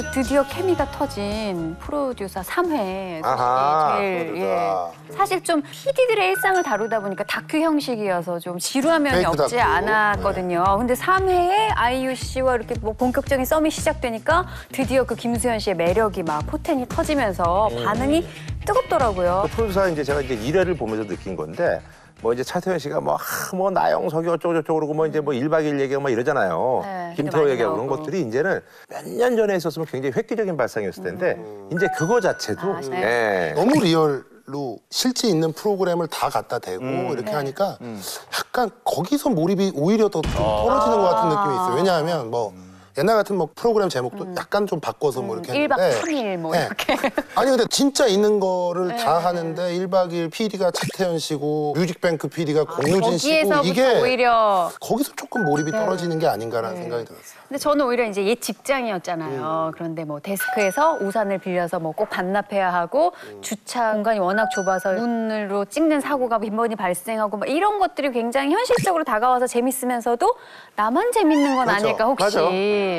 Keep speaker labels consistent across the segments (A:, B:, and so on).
A: 드디어 케미가 터진 프로듀서 3회
B: 아하,
A: 제일
B: 프로듀서.
A: 사실 좀 PD들의 일상을 다루다 보니까 다큐 형식이어서 좀 지루한 면이
B: 페이크
A: 없지
B: 다큐.
A: 않았거든요. 근데 3회에 아이유 씨와 이렇게 뭐 본격적인 썸이 시작되니까 드디어 그 김수현 씨의 매력이 막 포텐이 터지면서 반응이 뜨겁더라고요.
B: 프로듀서 이제 제가 이제 1회를 보면서 느낀 건데 뭐 이제 차태현 씨가 뭐 나영석이 어쩌고저쩌고 그러고 뭐 이제 뭐 1박 2일 얘기하고 막 이러잖아요.
A: 네,
B: 김태호
A: 많이
B: 얘기하고 그런
A: 나오고.
B: 것들이 이제는 몇 년 전에 있었으면 굉장히 획기적인 발상이었을 텐데 이제 그거 자체도 예.
C: 너무 리얼로 실제 있는 프로그램을 다 갖다 대고 이렇게 하니까 약간 거기서 몰입이 오히려 더 좀 떨어지는 것 같은 느낌이 있어요. 왜냐하면 뭐 옛날 같은 뭐 프로그램 제목도 약간 좀 바꿔서 뭐 이렇게
A: 1박
C: 했는데
A: 3일 뭐
C: 네.
A: 이렇게.
C: 아니 근데 진짜 있는 거를 다 하는데 1박 2일 PD가 차태현 씨고 뮤직뱅크 PD가 공유진 씨고
A: 거기에서부터
C: 이게
A: 오히려
C: 거기서 조금 몰입이 떨어지는 게 아닌가라는 생각이 들었어요.
A: 근데 저는 오히려 이제 옛 직장이었잖아요. 그런데 뭐 데스크에서 우산을 빌려서 뭐 꼭 반납해야 하고 주차 공간이 워낙 좁아서 문으로 찍는 사고가 빈번히 발생하고 막 이런 것들이 굉장히 현실적으로 다가와서 재밌으면서도 나만 재밌는 건
B: 그렇죠.
A: 아닐까 혹시.
B: 맞아.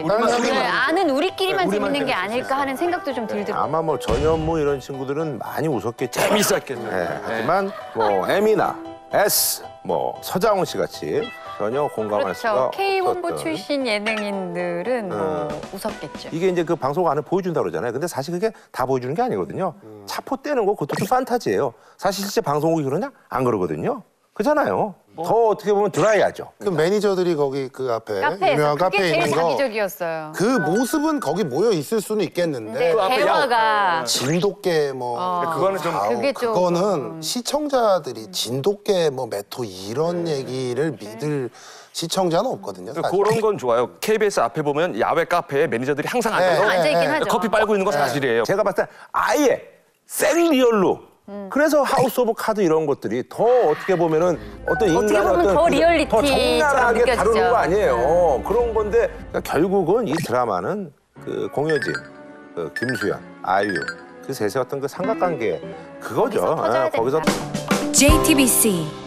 A: 네, 아는 우리끼리만
D: 우리만
A: 재밌는 게
D: 재밌을 수
A: 아닐까 하는 생각도 좀 들더라고요.
B: 아마 뭐 전현무 이런 친구들은 많이 웃었겠죠.
D: 재밌었겠네.
B: 예, 하지만 뭐 M이나 S, 뭐 서장훈 씨 같이 전혀 공감할 수가
A: 그렇죠. K본부
B: 없었던.
A: 출신 예능인들은 뭐 웃었겠죠.
B: 이게 이제 그 방송 안에 보여준다고 그러잖아요. 근데 사실 그게 다 보여주는 게 아니거든요. 차포 떼는 거 그것도 좀 판타지예요. 사실 실제 방송국이 그러냐? 안 그러거든요. 그렇잖아요. 더 어떻게 보면 드라이하죠.
C: 그 매니저들이 거기 그 앞에
A: 카페에서
C: 유명한
A: 그게
C: 카페에
A: 제일
C: 있는 거
A: 자기적이었어요.
C: 그 모습은 거기 모여 있을 수는 있겠는데
A: 근데 대화가
C: 진돗개 뭐
D: 그거는 좀
A: 그게 좀
C: 그거는 시청자들이 진돗개 뭐 메토 이런 얘기를 믿을 시청자는 없거든요. 사실.
D: 그런 건 좋아요. KBS 앞에 보면 야외 카페에 매니저들이 항상 앉아서
A: 앉아있긴 하죠.
D: 커피 빨고 있는 거 사실이에요.
B: 제가 봤을 때 아예 생리얼로 그래서 하우스 오브 카드 이런 것들이 더 어떻게 보면은 어떤
A: 어떻게
B: 인간의
A: 보면
B: 어떤
A: 더
B: 그
A: 리얼리티처럼
B: 더 적나라하게
A: 느껴지죠.
B: 다루는 거 아니에요. 그런 건데 그러니까 결국은 이 드라마는 그 공효진, 그 김수현, 아이유 그 셋의 어떤 그 삼각관계 그거죠.
A: 거기서 터져야
B: 거기서
A: 된다.
E: JTBC